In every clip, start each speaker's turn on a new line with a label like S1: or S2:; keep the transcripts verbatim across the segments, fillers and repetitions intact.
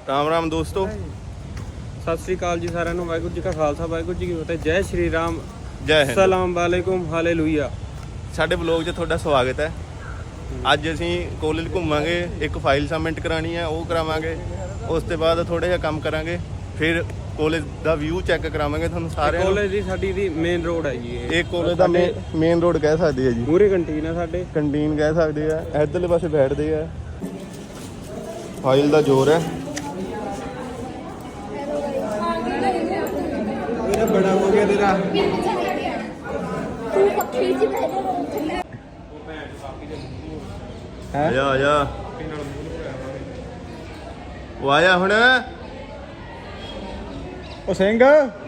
S1: राम राम दोस्तों,
S2: सत श्री अकाल जी साਰਿਆਂ ਨੂੰ। ਵਾਹਿਗੁਰੂ ਜੀ ਕਾ ਖਾਲਸਾ, ਵਾਹਿਗੁਰੂ ਜੀ ਕੀ ਫਤਿਹ। ਜੈ ਸ਼੍ਰੀ ਰਾਮ,
S1: जय हिंद।
S2: ਸਲਾਮ ਵਾਲੇਕੁਮ, ਹਾਲੇਲੂਇਆ।
S1: ਸਾਡੇ ਬਲੌਗ 'ਚ ਤੁਹਾਡਾ ਸਵਾਗਤ ਹੈ। ਅੱਜ ਅਸੀਂ ਕਾਲਜ ਘੁੰਮਾਂਗੇ, ਇੱਕ ਫਾਈਲ ਸਬਮਿਟ ਕਰਾਣੀ ਹੈ, ਉਹ ਕਰਾਵਾਂਗੇ। ਉਸ ਤੋਂ ਬਾਅਦ ਥੋੜਾ ਜਿਹਾ ਕੰਮ ਕਰਾਂਗੇ, ਫਿਰ ਕਾਲਜ ਦਾ ਵਿਊ ਚੈੱਕ ਕਰਾਵਾਂਗੇ ਤੁਹਾਨੂੰ ਸਾਰਿਆਂ ਨੂੰ।
S2: ਕਾਲਜ ਦੀ ਸਾਡੀ ਦੀ ਮੇਨ ਰੋਡ ਹੈ ਜੀ
S1: ਇਹ ਕਾਲਜ ਦਾ ਮੇਨ ਰੋਡ ਕਹਿ ਸਕਦੇ ਆ ਜੀ।
S2: ਮੂਰੇ ਕੰਟੀਨ ਹੈ ਸਾਡੇ,
S1: ਕੰਟੀਨ ਕਹਿ ਸਕਦੇ ਆ। ਇੱਧਰਲੇ ਪਾਸੇ ਬੈਠਦੇ ਆ। ਫਾਈਲ ਦਾ ਜ਼ੋਰ ਹੈ।
S2: ਮੇਰਾ ਬੜਾ ਹੋ ਗਿਆ ਤੇਰਾ।
S1: ਆਇਆ ਆਇਆ ਉਹ ਆਇਆ ਹੁਣ
S2: ਉਹ ਸਿੰਘ।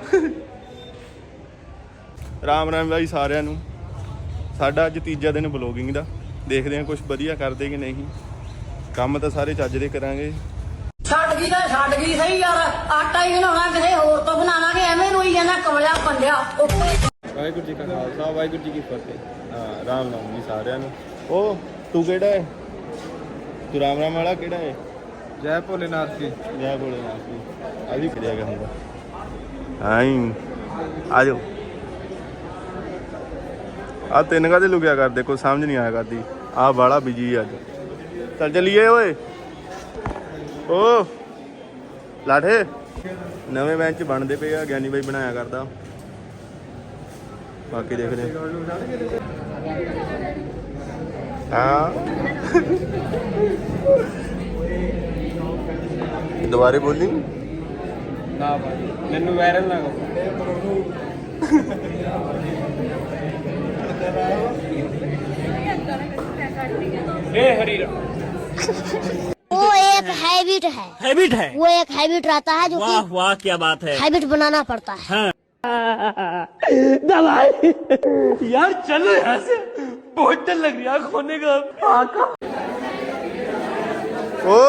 S1: ਰਾਮ ਰਾਮ ਬਾਈ ਸਾਰਿਆਂ ਨੂੰ। ਸਾਡਾ ਅੱਜ ਤੀਜਾ ਦਿਨ ਬਲੌਗਿੰਗ ਦਾ। ਦੇਖਦੇ ਹਾਂ ਕੁਝ ਵਧੀਆ ਕਰਦੇ ਕਿ ਨਹੀਂ। ਕੰਮ ਤਾਂ ਸਾਰੇ ਚੱਜ ਦੇ ਕਰਾਂਗੇ।
S3: ਛੱਡ ਗਈ ਤਾਂ ਛੱਡ ਗਈ ਸਹੀ ਯਾਰ। ਆਟਾ ਹੀ ਬਣਾਉਣਾ ਕਿਸੇ ਹੋਰ ਤੋਂ ਬਣਾਵਾਂਗੇ, ਐਵੇਂ ਰੋਈ ਜਾਂਦਾ ਕਮਲਿਆ ਪੰਡਿਆ।
S2: ਵਾਹਿਗੁਰੂ ਜੀ ਕਾ ਖਾਲਸਾ, ਵਾਹਿਗੁਰੂ ਜੀ ਕੀ ਫਤਿਹ।
S1: ਹਾਂ ਰਾਮ ਰਾਮ ਜੀ ਸਾਰਿਆਂ ਨੂੰ। ਉਹ ਤੂੰ ਕਿਹੜਾ ਹੈ? ਤੂੰ ਰਾਮ ਰਾਮ ਵਾਲਾ ਕਿਹੜਾ ਹੈ?
S2: ਜੈ ਭੋਲੇਨਾਥ ਜੀ।
S1: ਜੈ ਭੋਲੇਨਾਥ ਜੀ। ਆ ਵੀ ਕਰਿਆ ਗਿਆ ਹੁੰਦਾ। ਆਈ ਆ ਜਾਓ। ਆ ਤਿੰਨ ਕਾਹਦੇ ਲੁਕਿਆ ਕਰਦੇ, ਕੋਈ ਸਮਝ ਨਹੀਂ ਆਇਆ ਕਰਦੀ। ਆ ਬਾਲਾ ਬਿਜੀ ਅੱਜ। ਚੱਲ ਚੱਲੀਏ ਓਏ। ਓ ਲਾਠੇ ਨਵੇਂ ਬੈਂਚ ਬਣਦੇ ਪਏ ਆ, ਗਿਆਨੀ ਬਾਈ ਬਣਾਇਆ ਕਰਦਾ। ਬਾਕੀ ਦੇਖਦੇ ਹਾਂ। ਦੁਬਾਰੇ ਬੋਲੀ
S2: ਨਾ ਭਾਈ, ਮੈਨੂੰ ਵਾਇਰਲ ਨਾ ਕਰੋ। हे हरी राम।
S4: वो एक हैबिट है
S5: हैबिट है।
S4: वो एक हैबिट रहता है जो
S5: वाह
S4: कि
S5: वाह क्या बात है।
S4: हैबिट बनाना पड़ता है।
S5: दवाई यार चलो यहाँ से, बहुत डर लग रहा है खोने का।
S1: ओ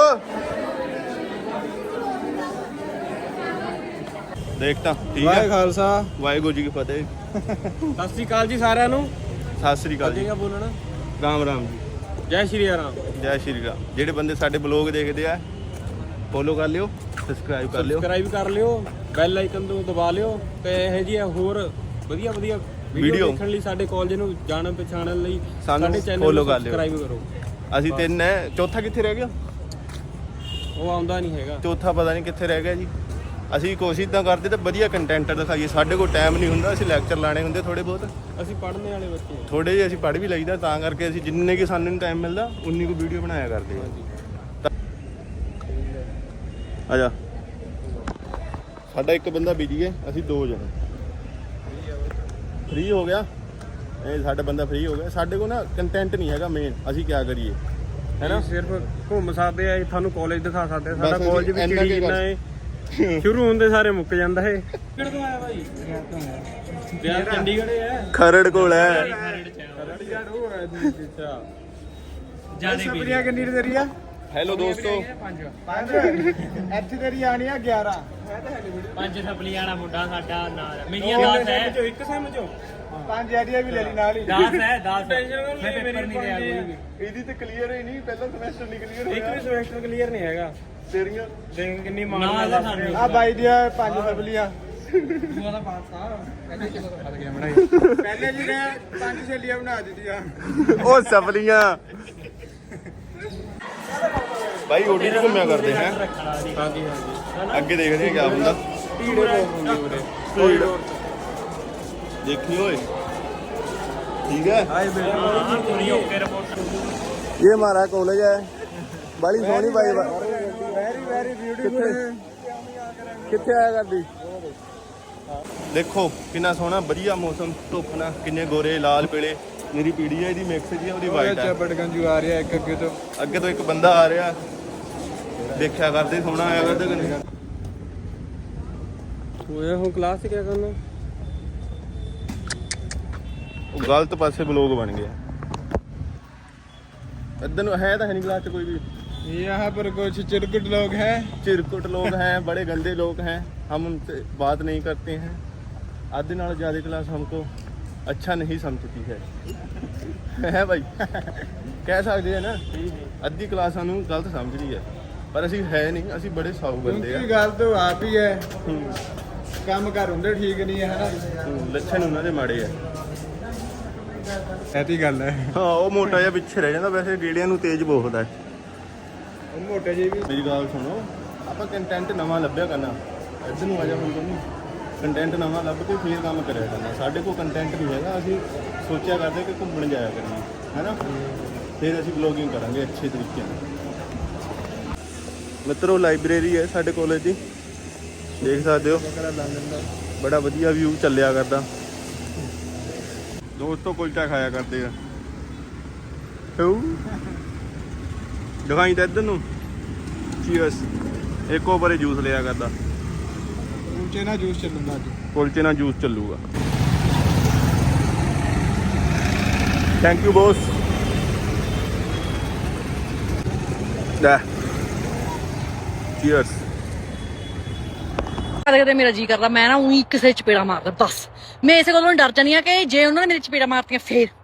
S1: ਦੇਖਤਾ ਠੀਕ
S2: ਵਾਹਿ
S1: ਹੈ।
S2: ਖਾਲਸਾ,
S1: ਵਾਹਿਗੁਰੂ ਜੀ ਕੀ ਫਤਿਹ।
S2: ਸਤਿ ਸ਼੍ਰੀ ਅਕਾਲ ਜੀ ਸਾਰਿਆਂ ਨੂੰ।
S1: ਸਤਿ ਸ੍ਰੀ ਅਕਾਲ ਜੀ।
S2: ਅੱਗੇ ਬੋਲਣਾ।
S1: ਰਾਮ ਰਾਮ ਜੀ।
S2: ਜੈ ਸ਼੍ਰੀ ਰਾਮ।
S1: ਜੈ ਸ਼੍ਰੀ ਰਾਮ। ਜਿਹੜੇ ਬੰਦੇ ਸਾਡੇ ਬਲੌਗ ਦੇਖਦੇ ਆ, ਫੋਲੋ ਕਰ ਲਿਓ, ਸਬਸਕ੍ਰਾਈਬ ਕਰ ਲਿਓ।
S2: ਸਬਸਕ੍ਰਾਈਬ ਕਰ ਲਿਓ, ਬੈਲ ਆਈਕਨ ਨੂੰ ਦਬਾ ਲਿਓ ਤੇ ਇਹ ਜੀ ਹੋਰ ਵਧੀਆ ਵਧੀਆ
S1: Video
S2: ਵੀਡੀਓ ਦੇਖਣ ਲਈ, ਸਾਡੇ ਕਾਲਜ ਨੂੰ ਜਾਣਨ ਪਛਾਣਨ ਲਈ
S1: ਸਾਨੂੰ
S2: ਸਾਡੇ ਚੈਨਲ
S1: follow
S2: ਨੂੰ
S1: ਕਰ ਲਿਓ।
S2: ਸਬਸਕ੍ਰਾਈਬ ਕਰੋ।
S1: ਅਸੀਂ ਤਿੰਨ ਹੈ, ਚੌਥਾ ਕਿੱਥੇ ਰਹਿ ਗਿਆ?
S2: ਉਹ ਆਉਂਦਾ ਨਹੀਂ ਹੈਗਾ।
S1: ਚੌਥਾ ਪਤਾ ਨਹੀਂ ਕਿੱਥੇ ਰਹਿ ਗਿਆ ਜੀ। ਅਸੀਂ ਕੋਸ਼ਿਸ਼ ਤਾਂ ਕਰਦੇ ਤਾਂ ਵਧੀਆ ਕੰਟੈਂਟ ਦਿਖਾਈਏ। ਸਾਡੇ ਕੋਲ ਟਾਈਮ ਨਹੀਂ ਹੁੰਦਾ, ਅਸੀਂ ਲੈਕਚਰ ਲਾਣੇ ਹੁੰਦੇ ਥੋੜੇ ਬਹੁਤ।
S2: ਅਸੀਂ ਪੜ੍ਹਨੇ ਵਾਲੇ ਬੱਚੇ ਹਾਂ।
S1: ਥੋੜੇ ਜਿਹੇ ਅਸੀਂ ਪੜ੍ਹ ਵੀ ਲਈਦਾ, ਤਾਂ ਕਰਕੇ ਅਸੀਂ ਜਿੰਨੇ ਕਿ ਸਾਨੂੰ ਟਾਈਮ ਮਿਲਦਾ ਉਨੀ ਕੁ ਵੀਡੀਓ ਬਣਾਇਆ ਕਰਦੇ ਹਾਂ। ਆ ਜਾ। ਸਾਡਾ ਇੱਕ ਬੰਦਾ ਬਿਜੀ ਹੈ, ਅਸੀਂ ਦੋ ਜਣੇ। ਫ੍ਰੀ ਹੋ ਗਿਆ ਇਹ ਸਾਡਾ ਬੰਦਾ, ਫ੍ਰੀ ਹੋ ਗਿਆ। ਸਾਡੇ ਕੋਲ ਨਾ ਕੰਟੈਂਟ ਨਹੀਂ ਹੈਗਾ ਮੇਨ। ਅਸੀਂ ਕੀ ਕਰੀਏ, ਹੈ ਨਾ?
S2: ਸਿਰਫ ਘੁੰਮ ਸਕਦੇ ਆ, ਤੁਹਾਨੂੰ ਕਾਲਜ ਦਿਖਾ ਸਕਦੇ ਆ। ਸਾਡਾ
S1: ਬਸ ਅਸੀਂ
S2: ਕਾਲਜ ਵੀ
S1: ਇੰਨਾ
S2: ਕਿਹੜੀ
S1: ਕੁ
S2: ਇੰਨਾ ਹੈ, ਸ਼ੁਰੂ ਹੁੰਦੇ ਸਾਰੇ ਮੁੱਕ ਜਾਂਦਾ ਹੈ। ਕਿਹੜੇ ਤੋਂ ਆਇਆ ਭਾਈ? ਬਿਆਰ ਚੰਡੀਗੜ੍ਹ ਹੈ।
S1: ਖਰੜ ਕੋਲ ਹੈ।
S2: ਖਰੜ ਉਹ ਹੈ ਅੱਛਾ। ਜਿਆਦਾ ਸਪਰੀਆ ਕਿੰਨੀ ਤੇਰੀ ਆ?
S1: ਹੈਲੋ ਦੋਸਤੋ।
S2: ਪੰਜ ਇੱਥੇ ਤੇਰੀ ਆਣੀ ਆ ਗਿਆਰਾਂ।
S5: ਪੰਜ ਸਪਲੀਆਣਾ ਮੁੰਡਾ ਸਾਡਾ ਨਾਲ ਮੇਰੀਆਂ ਦਸ ਹੈ।
S2: ਜੋ ਇੱਕ ਸੈਮ ਚੋਂ ਪੰਜ ਆਈਡੀਆ ਵੀ ਲੈ ਲਈ ਨਾਲ ਹੀ।
S5: ਦਸ ਹੈ ਦਸ। ਮੈਂ ਪੇਪਰ ਨਹੀਂ ਦਿਆ ਕੋਈ ਵੀ।
S1: ਇਹਦੀ ਤੇ ਕਲੀਅਰ ਹੀ ਨਹੀਂ, ਪਹਿਲਾ ਸਮੈਸਟਰ ਨਹੀਂ ਕਲੀਅਰ
S2: ਇੱਕ ਵੀ ਸਮੈਸਟਰ ਕਲੀਅਰ ਨਹੀਂ ਹੈਗਾ।
S1: ਤੇਰੀਆਂ
S2: ਦੇਖ ਕਿੰਨੀ ਮਾਰ
S5: ਨਾਲ
S2: ਨਾਲ
S5: ਸਾਨੂੰ।
S2: ਆ ਬਾਈ ਦੀਆਂ ਪੰਜ ਸਪਲੀਆਂ। ਦੂਆ ਦਾ ਪਾਸ ਆ ਪਹਿਲੇ ਕਿਦੋਂ ਖੜ ਗਿਆ ਬਣਾਈ। ਪਹਿਲੇ ਜੀ ਨੇ ਪੰਜ ਛੇਲੀਆਂ ਬਣਾ ਦਿੱਤੀਆਂ।
S1: ਉਹ ਸਫਲੀਆਂ ਭਾਈ ਓਡੀ ਚ ਘੁੰਮਿਆ ਕਰਦੇ ਹੈ।
S2: ਹਾਂਜੀ ਹਾਂਜੀ।
S1: ਅੱਗੇ ਦੇਖਦੇ ਹਾਂ ਕੀ ਹੁੰਦਾ।
S2: ਢੀੜੇ ਬਹੁਤ ਹੁੰਦੇ ਉਰੇ।
S1: ਦੇਖੀ ਓਏ, ठीक है। ये हमारा कॉलेज है, बड़ी सोहनी भाई।
S2: Very very beautiful.
S1: कितने आया करदी देखो कितना सोहना बढ़िया मौसम। धुप ना किन्ने गोरे लाल पीले। मेरी पीड़ी है, मिक्स जी ਉਹਦੀ ਵਾਈਟ ਹੈ।
S2: ਬੜਗੰਜੂ ਆ ਰਿਹਾ ਇੱਕ ਅੱਗੇ ਤੋਂ।
S1: ਅੱਗੇ ਤੋਂ ਇੱਕ ਬੰਦਾ ਆ ਰਿਹਾ, ਦੇਖਿਆ ਕਰਦੇ ਸੋਹਣਾ ਆਇਆ ਕਰਦੇ ਕਿ ਨਹੀਂ।
S2: ਹੋਇਆ ਹੁਣ ਕਲਾਸ 'ਚ ਕੀ ਕਰਨਾ?
S1: ਉਹ ਗਲਤ ਪਾਸੇ ਬਲੌਗ ਬਣ ਗਿਆ। इधर ਨੂੰ है तो है नहीं क्लास कोई भी।
S2: यहाँ पर कुछ चिरकुट लोग हैं।
S1: चिरकुट लोग हैं, बड़े गंदे लोग हैं, हम उनसे बात नहीं करते हैं। आधे नाल ज़्यादा क्लास हमको अच्छा नहीं समझती है है भाई कह सकते हैं ना। अद्धी क्लास सानू गलत समझ रही है। ਪਰ ਅਸੀਂ ਹੈ ਨਹੀਂ, ਅਸੀਂ ਬੜੇ ਸਾਊ ਬੰਦੇ ਆ।
S2: ਕਿਉਂਕਿ ਗੱਲ ਤਾਂ ਆਪ ਹੀ ਹੈ,
S1: ਹੂੰ,
S2: ਕੰਮ ਕਰ ਹੁੰਦੇ ਠੀਕ ਨਹੀਂ ਹੈ ਹਨਾ।
S1: ਹੂੰ, ਲੱਛਣ ਉਹਨਾਂ ਦੇ ਮਾੜੇ ਆ।
S2: ਐਤੀ ਗੱਲ ਹੈ।
S1: ਹਾਂ, ਉਹ ਮੋਟਾ ਜਿਹਾ ਪਿੱਛੇ ਰਹਿ ਜਾਂਦਾ, ਵੈਸੇ ਗੇੜਿਆਂ ਨੂੰ ਤੇਜ਼ ਬਹੁਤ ਹੈ।
S2: ਉਹ ਮੋਟੇ ਜੀ ਵੀ
S1: ਮੇਰੀ ਗੱਲ ਸੁਣੋ, ਆਪਾਂ ਕੰਟੈਂਟ ਨਵਾਂ ਲੱਭਿਆ ਕਰਨਾ। ਇੱਧਰ ਨੂੰ ਆ ਜਾ ਹੁਣ ਤੂੰ, ਕੰਟੈਂਟ ਨਵਾਂ ਲੱਭ ਕੇ ਫੇਰ ਕੰਮ ਕਰਿਆ ਕਰਨਾ। ਸਾਡੇ ਕੋਲ ਕੰਟੈਂਟ ਨਹੀਂ ਹੈਗਾ, ਅਸੀਂ ਸੋਚਿਆ ਕਰਦੇ ਕਿ ਘੁੰਮਣ ਜਾਇਆ ਕਰੀਏ, ਹੈਨਾ। ਫਿਰ ਅਸੀਂ ਵਲੋਗਿੰਗ ਕਰਾਂਗੇ ਅੱਛੇ ਤਰੀਕੇ ਨਾਲ। ਮਿੱਤਰੋ ਲਾਇਬ੍ਰੇਰੀ ਹੈ ਸਾਡੇ ਕਾਲਜ ਦੀ, ਦੇਖ ਸਕਦੇ ਹੋ, ਬੜਾ ਵਧੀਆ ਵਿਊ ਚੱਲਿਆ ਕਰਦਾ। ਦੋਸਤੋ ਕੁਲਚਾ ਖਾਇਆ ਕਰਦੇ ਆ, ਦਿਖਾਈ ਤਾਂ ਇੱਧਰ ਨੂੰ। ਚੀਅਰਸ। ਇੱਕ ਉਹ ਪਰੇ ਜੂਸ ਲਿਆ ਕਰਦਾ,
S2: ਕੁਲਚੇ ਨਾਲ ਜੂਸ ਚੱਲੂਗਾ ਅੱਜ।
S1: ਕੁਲਚੇ ਨਾਲ ਜੂਸ ਚੱਲੂਗਾ। Thank you boss. ਲੈ ਚੀਅਰਸ।
S6: ਕਦੇ ਕਦੇ ਮੇਰਾ ਜੀ ਕਰਦਾ ਮੈਂ ਨਾ ਉਹੀ ਕਿਸੇ ਚਪੇੜਾ ਮਾਰਦਾ ਬਸ। ਮੈਂ ਇਸੇ ਗੱਲੋਂ ਡਰ ਜਾਂਦੀ ਆ ਕਿ ਜੇ ਉਹਨਾਂ ਨੇ ਮੇਰੀ ਚਪੇੜਾ ਮਾਰਤੀਆਂ ਫੇਰ